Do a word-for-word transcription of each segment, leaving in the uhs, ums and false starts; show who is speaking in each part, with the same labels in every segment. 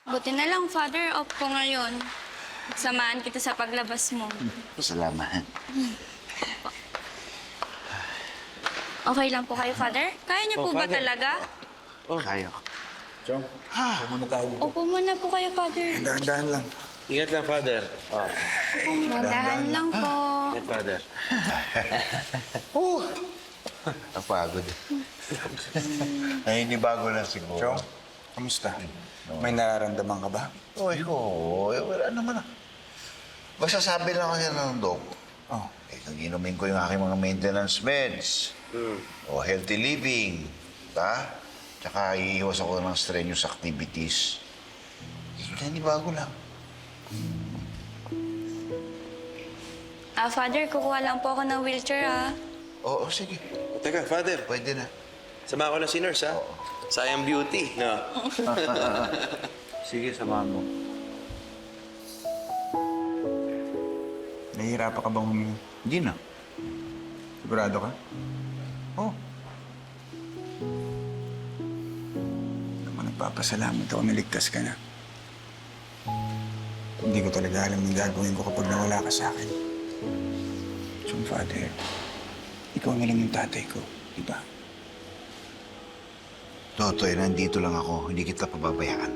Speaker 1: Buti na lang, Father, off ko ngayon. Samahan kita sa paglabas mo.
Speaker 2: Salamat.
Speaker 1: Okay lang po kayo, Father? Kaya niyo
Speaker 3: Oh,
Speaker 1: po ba
Speaker 3: Father.
Speaker 1: talaga?
Speaker 2: Oh. Kaya.
Speaker 3: Chong, pumunta tayo.
Speaker 1: Upo muna po kayo, Father.
Speaker 4: Dahan-dahan lang.
Speaker 3: Ingat lang, Father. Oh,
Speaker 1: Madahan lang po.
Speaker 3: ingat, Father.
Speaker 2: Napagod. Ay, hindi bago lang siguro.
Speaker 4: Chong, kamusta? May nararamdaman ka ba?
Speaker 2: Oy, oo. Eh, wala naman ah. Basta sabi lang kasi ng dok,
Speaker 4: Oh.
Speaker 2: eh, kung inumin ko yung aking mga maintenance meds,
Speaker 3: Hmm.
Speaker 2: o healthy living, ta? Tsaka iiwas ako ng strenuous activities. Kaya hindi bago lang.
Speaker 1: Ah, Father, kukuha lang po ako ng wheelchair, ah.
Speaker 2: Oo, sige.
Speaker 3: O, teka, Father.
Speaker 2: Pwede na.
Speaker 3: Sama ko na si Nurse, ha? Sayang beauty, no?
Speaker 2: Sige, samahan mo.
Speaker 4: Nahihirapan ka bang humingi?
Speaker 2: Hindi na.
Speaker 4: Sigurado ka?
Speaker 2: Oh.
Speaker 4: Naman nagpapasalamat ako naligtas ka na. Hindi ko talaga alam yung gagawin ko kapag nawala ka sa akin. Chong, Father, ikaw na lang yung tatay ko, di ba?
Speaker 2: Totoy, nandito lang ako. Hindi kita pababayaan.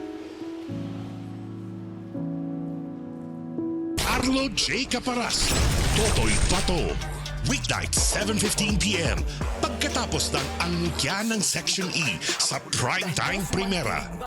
Speaker 5: Arlo J. Caparas, Totoy Pato. Weeknight, seven fifteen p m Pagkatapos ng angkya ng Section E sa Primetime Primera.